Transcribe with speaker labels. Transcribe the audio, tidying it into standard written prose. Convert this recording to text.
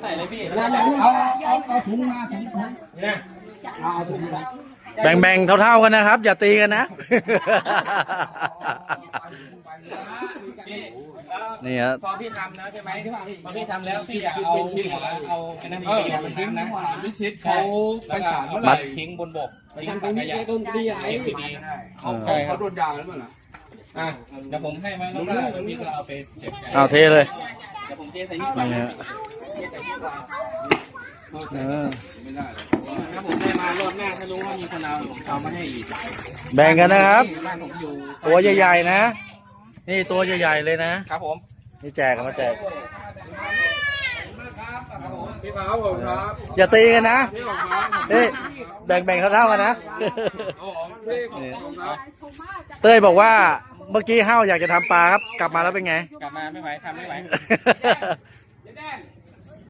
Speaker 1: ใส่เลยพี่
Speaker 2: เอาถุงมาถุง
Speaker 1: เนี่ย
Speaker 2: เอาถุงมา
Speaker 3: แบ่งๆเท่าๆกันนะครับ อย่าตีกันนะ นี่ฮะ
Speaker 1: พอพี่ทำแล้วใช่ไหมพอพี่ทำแล้วพี่อยากเอาเป็นน้ำพริกมันชิ้นนะ
Speaker 2: วิชิตเขาไปศาลเมื่อไห
Speaker 3: มั
Speaker 2: ร่
Speaker 3: ด
Speaker 1: ทิ้งบนบกทิ้งถังขยะดี
Speaker 2: เขาโดนยางแล้วมั้งล่ะ
Speaker 1: อ่ะเดี๋ยวผมให้มาแล้วก็พี่ก็เอาไปเก็บ
Speaker 3: เอาเทเลย
Speaker 1: เดี๋ยวผมเทใส่นี่
Speaker 3: นี่ฮะ
Speaker 2: ไม่ได้เลย
Speaker 1: ถ้าผมได้มารอบหน้าถ้ารู้ว่ามีคนเอาผมเอามาให้อีก
Speaker 3: แบ่งกันนะครับ
Speaker 1: บ้านผมอยู่
Speaker 3: ตัวใหญ่ๆนะ นี่ตัวใหญ่ๆเลยนะ
Speaker 1: ครับผม
Speaker 3: นี่แจกกันมาแจก
Speaker 2: พี่ขาวผมครับ
Speaker 3: อย่าตีกันนะ
Speaker 2: พี่ของครับ
Speaker 3: เฮ้ยแบ่งๆเท่าๆกันนะ
Speaker 2: เอาของพี่ของครับ
Speaker 3: เต้ยบอกว่าเมื่อกี้ห้าวอยากจะทำปลาครับ กลับมาแล้วเป็นไง
Speaker 1: กลับมาไม่ไหวทำไม่ไหว